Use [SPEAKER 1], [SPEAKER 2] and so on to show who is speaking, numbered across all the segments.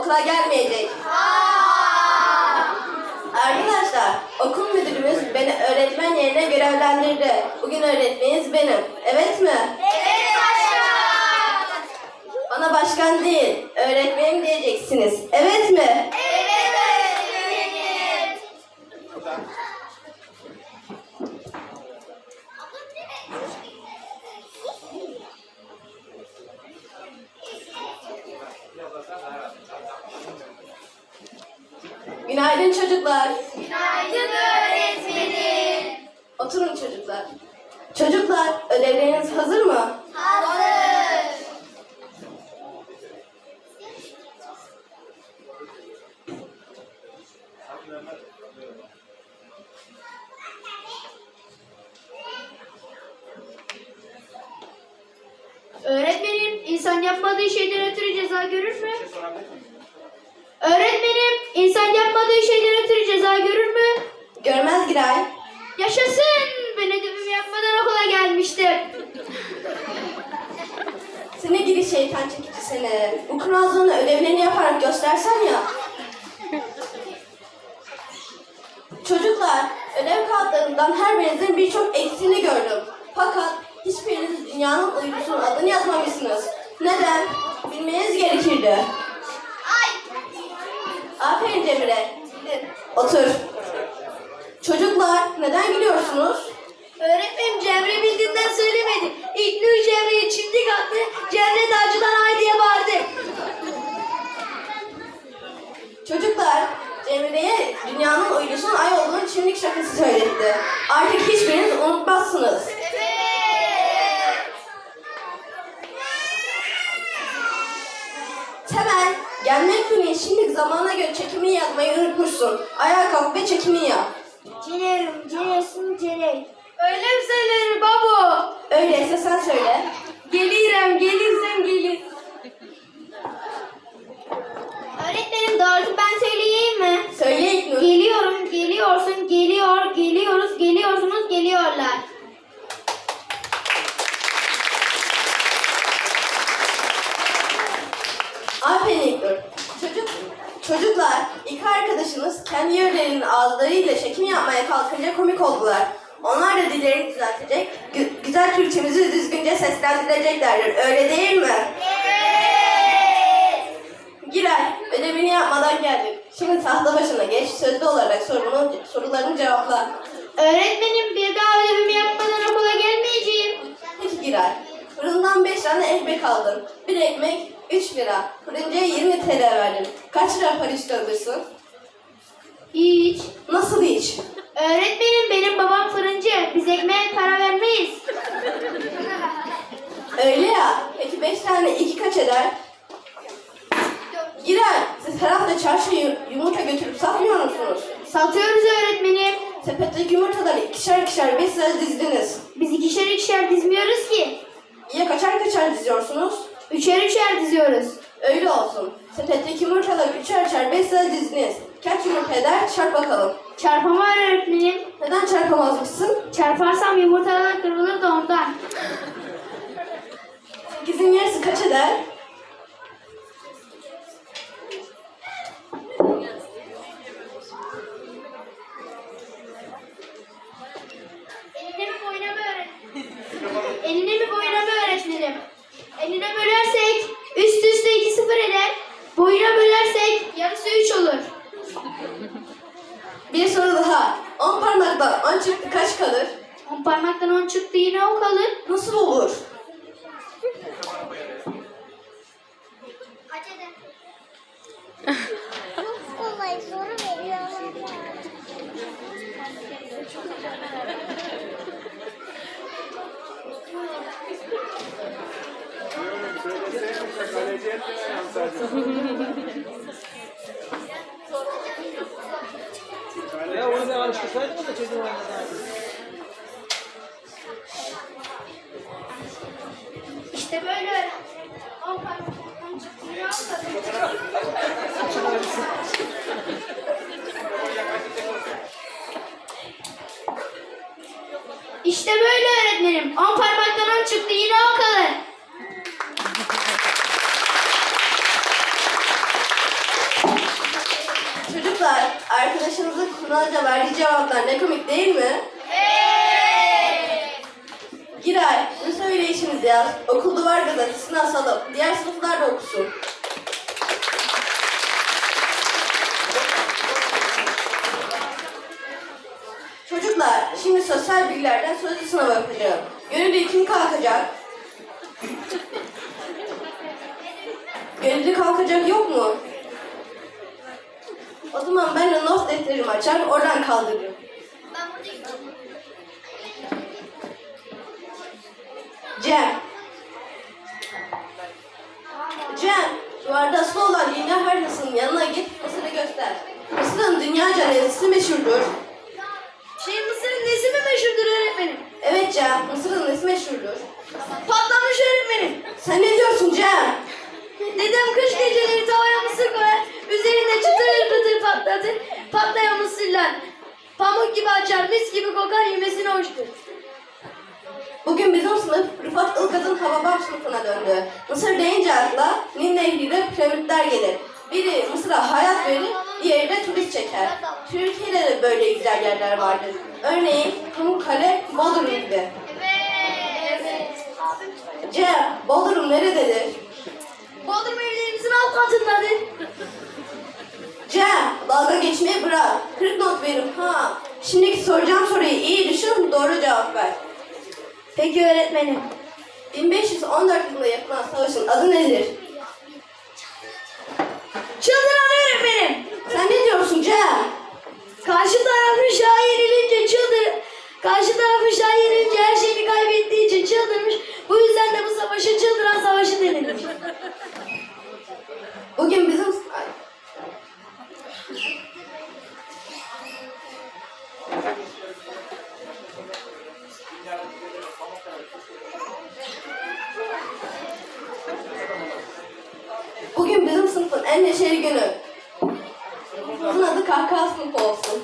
[SPEAKER 1] okula gelmeyecek. Arkadaşlar, okul müdürümüz beni öğretmen yerine görevlendirdi. Bugün öğretmeniniz benim. Evet mi?
[SPEAKER 2] Evet başkan.
[SPEAKER 1] Bana başkan değil, öğretmenim diyeceksiniz. Evet mi?
[SPEAKER 2] Evet öğretmenim.
[SPEAKER 1] Günaydın çocuklar.
[SPEAKER 2] Günaydın öğretmenim.
[SPEAKER 1] Oturun çocuklar. Çocuklar, ödevleriniz hazır mı?
[SPEAKER 2] Hazır.
[SPEAKER 3] Öğretmenim, insan yapmadığı şeyden ötürü ceza görür mü? Öğretmenim, insan yapmadığı şeyden ötürü ceza görür mü?
[SPEAKER 1] Görmez Giray.
[SPEAKER 3] Yaşasın! Ben ödevimi yapmadan okula gelmiştim.
[SPEAKER 1] Seni gidi şeytan çekici seni. Bu kurnazlığını ödevlerini yaparak göstersen ya. Çocuklar, ödev kağıtlarından her birinizin birçok eksiğini gördüm. Fakat hiçbiriniz dünyanın uydusunun adını yazmamışsınız. Neden? Bilmeniz gerekirdi. Aferin Cemre. Gidin, otur. Çocuklar, neden gülüyorsunuz?
[SPEAKER 3] Öğretmenim Cemre bildiğinden söylemedi. İlknur Cemre'ye çimdik attı. Cemre de acıdan ay diye bağırdı.
[SPEAKER 1] Çocuklar, Cemre'ye dünyanın uydusunun ay olduğunu çimdik şakası söyletti. Artık hiçbiriniz unutmazsınız. Temel, gelmek günü şimdi zamana göre çekimini yazmayı unutmuşsun. Ayağa kalk ve çekimini yap.
[SPEAKER 3] Cinerim, cinesin ciney. Öyle mi söylenir babo?
[SPEAKER 1] Öyleyse sen söyle.
[SPEAKER 3] Gelirim, gelirsen gelir. Öğretmenim doğrusu ben söyleyeyim mi?
[SPEAKER 1] Söyle İlknur.
[SPEAKER 3] Geliyorum, geliyorsun, geliyor, geliyoruz, geliyorsunuz, geliyorlar.
[SPEAKER 1] Aferin İlknur. Çocuklar, iki arkadaşınız kendi yerlerinin ağızlarıyla çekim yapmaya kalkınca komik oldular. Onlar da dillerini düzeltecek, güzel Türkçemizi düzgünce seslendireceklerdir. Öyle değil mi?
[SPEAKER 2] Evet.
[SPEAKER 1] Giray, ödevini yapmadan geldin. Şimdi tahta başına geç, sözlü olarak sorularını cevapla.
[SPEAKER 3] Öğretmenim bir daha ödevimi yapmadan okula gelmeyeceğim.
[SPEAKER 1] Peki Giray, fırından 5 tane ekmek aldın. Bir ekmek 3 lira. Fırıncıya 20 TL verdin. Kaç lira para üstü alırsın?
[SPEAKER 3] Hiç.
[SPEAKER 1] Nasıl hiç?
[SPEAKER 3] Öğretmenim benim babam fırıncı. Biz ekmeğe para vermeyiz.
[SPEAKER 1] Öyle ya. Peki 5 tane 2 kaç eder? Giray, siz her hafta çarşıya yumurta götürüp satmıyor musunuz?
[SPEAKER 3] Satıyoruz öğretmenim.
[SPEAKER 1] Sepetteki yumurtaları ikişer ikişer 5 sıra dizdiniz.
[SPEAKER 3] Biz ikişer ikişer dizmiyoruz ki.
[SPEAKER 1] Ya kaçar kaçar diziyorsunuz?
[SPEAKER 3] Üçer üçer diziyoruz.
[SPEAKER 1] Öyle olsun. Sepetteki yumurtaları üçer üçer 5 sıra dizdiniz. Kaç yumurta eder? Çarp bakalım.
[SPEAKER 3] Çarpama var öğretmenim.
[SPEAKER 1] Neden çarpamazmışsın?
[SPEAKER 3] Çarparsam yumurtalar kırılır da ondan.
[SPEAKER 1] 8'in yarısı kaç eder?
[SPEAKER 3] Eline mi boyuna mı öğretmenim? Eline mi boyuna mı öğretmenim? Eline bölersek üst üste 2 sıfır eder. Boyuna bölersek yarısı 3 olur.
[SPEAKER 1] Bir soru daha. 10 parmaktan 10 çıktı kaç kalır?
[SPEAKER 3] 10 parmaktan 10 çıktı yine o kalır.
[SPEAKER 1] Nasıl olur?
[SPEAKER 2] Çok kolay soru veriyorlar.
[SPEAKER 4] Ya onu da alıştırsaydın da çocuğun anladı.
[SPEAKER 3] İşte böyle. 10 parmaktan 10 çıktı yine o kalır. İşte böyle öğretmenim. 10 parmaktan 10 çıktı yine o kalır.
[SPEAKER 1] arkadaşınızın kurnazca verdiği cevaplar ne komik değil mi? Giray, bu söyleyişimizi yaz. Okul duvar gazetesine asalım. Diğer sınıflar da okusun. Çocuklar, şimdi sosyal bilgilerden sözlü sınava yapacağım. Gönüllü kim kalkacak? Gönüllü kalkacak yok mu? O zaman ben de not defterimi açar, oradan kaldırırım. Cem. Cem, duvarda asılı olan dünya haritasının yanına git, Mısır'ı göster. Mısır'ın dünyaca nesi meşhurdur?
[SPEAKER 3] Mısır'ın nesi mi meşhurdur öğretmenim?
[SPEAKER 1] Evet Cem, Mısır'ın nesi meşhurdur?
[SPEAKER 3] Patlamış öğretmenim.
[SPEAKER 1] Sen ne diyorsun Cem?
[SPEAKER 3] Dedem kış geceleri tavaya mısır koyar, üzerinde çıtır pıtır patlatır, patlayan mısırlar. Pamuk gibi açar, mis gibi kokar, yemesine hoştur.
[SPEAKER 1] Bugün bizim sınıf Rıfat Ilgaz'ın Hababam sınıfına döndü. Mısır deyince akla Nil Nehri'yle piramitler gelir. Biri Mısır'a hayat verir, diğeri de turist çeker. Türkiye'de de böyle güzel yerler vardır. Örneğin Pamukkale, Bodrum gibi. Cem, Bodrum nerededir?
[SPEAKER 3] Bodrum evlerimizin alt katındadır.
[SPEAKER 1] Cem, dalga geçmeyi bırak. 40 not veririm ha. Şimdiki soracağım soruyu iyi düşün, doğru cevap ver.
[SPEAKER 3] Peki öğretmenim.
[SPEAKER 1] 1514 yılında yapılan savaşın adı nedir?
[SPEAKER 3] Çıldıran öğretmenim.
[SPEAKER 1] Sen ne diyorsun Cem?
[SPEAKER 3] Karşı tarafın şah yenilince Karşı tarafın şah yenilince her şeyini kaybettiği için çıldırmış. Bu yüzden de bu savaşı çıldıran savaşı denilmiş.
[SPEAKER 1] Bugün bizim... Bugün bizim sınıfın en neşeli günü. Sınıfımızın adı kahkaha sınıfı olsun.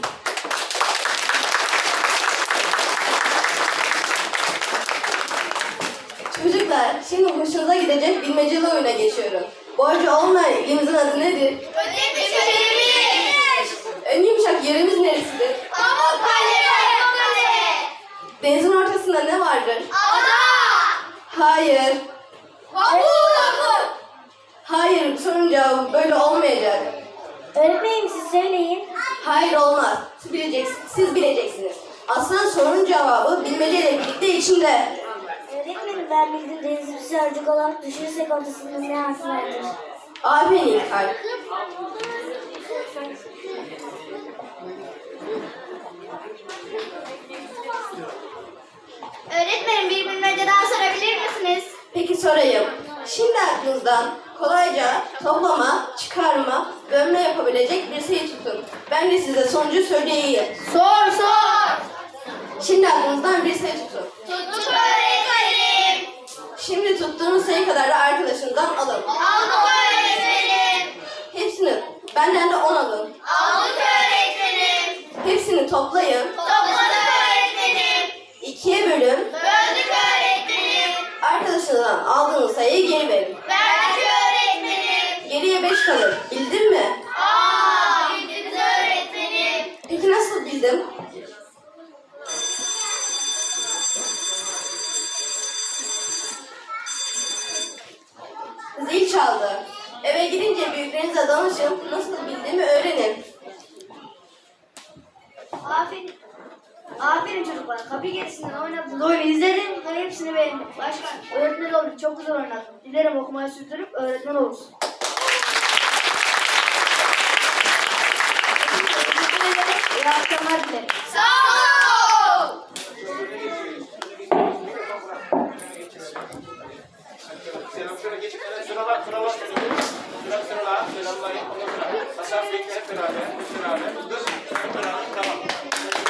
[SPEAKER 1] Çocuklar, şimdi hoşunuza gidecek bilmeceli oyuna geçiyorum. Borcu olmayan ilimizin adı nedir?
[SPEAKER 2] Ödemiş.
[SPEAKER 1] En yumuşak yerimiz neresidir?
[SPEAKER 2] Pamukkale.
[SPEAKER 1] Denizin ortasında ne vardır?
[SPEAKER 2] Ada.
[SPEAKER 1] Hayır.
[SPEAKER 2] Pamuk.
[SPEAKER 1] Hayır, sorun cevabı böyle olmayacak.
[SPEAKER 3] Öğretmenim siz söyleyin.
[SPEAKER 1] Hayır olmaz. Siz bileceksiniz. Aslında sorunun cevabı bilmeceyle birlikte içinde.
[SPEAKER 3] Öğretmenim ben bildim denizli bir sörcük olarak düşünürsek ortasında ne harfi vardır?
[SPEAKER 1] Aferin İlkay.
[SPEAKER 2] Öğretmenim bir bilmece daha sorabilir misiniz?
[SPEAKER 1] Peki sorayım. Şimdi aklınızdan kolayca toplama, çıkarma, bölme yapabilecek bir sayı tutun. Ben de size sonucu söyleyeyim.
[SPEAKER 3] Sor.
[SPEAKER 1] Şimdi aklınızdan bir sayı tutun.
[SPEAKER 2] Tuttuk öğretmenim.
[SPEAKER 1] Şimdi tuttuğunuz sayı kadar da arkadaşınızdan alın.
[SPEAKER 2] Aldık öğretmenim.
[SPEAKER 1] Hepsini, benden de 10 alın.
[SPEAKER 2] Aldık öğretmenim.
[SPEAKER 1] Hepsini toplayın.
[SPEAKER 2] Topladık öğretmenim.
[SPEAKER 1] 2'ye bölün.
[SPEAKER 2] Böldük öğretmenim.
[SPEAKER 1] Arkadaşınızdan aldığınız sayıyı geri verin.
[SPEAKER 2] Verdik öğretmenim.
[SPEAKER 1] Geriye 5 kalır. Bildin mi?
[SPEAKER 2] Bildiniz öğretmenim.
[SPEAKER 1] Peki nasıl bildim? Zil çaldı. Eve gidince büyüklerinize danışın. Nasıl bildiğimi öğrenin.
[SPEAKER 3] Aferin çocuklar. Kapı gerisinden oynadınız. Oyunu izledim ve hepsini beğendim. Başkan öğretmen olduk. Çok güzel oynadın. Dilerim okumayı sürdürüp öğretmen olursun. İyi akşamlar dilerim.
[SPEAKER 2] Sağ ol.
[SPEAKER 4] Selam şöyle geçin. Sıralar. Sıralar. Selamlayın. Ondan sonra Hasan Bey'le hep beraber. Dur. Hep beraber. Tamam.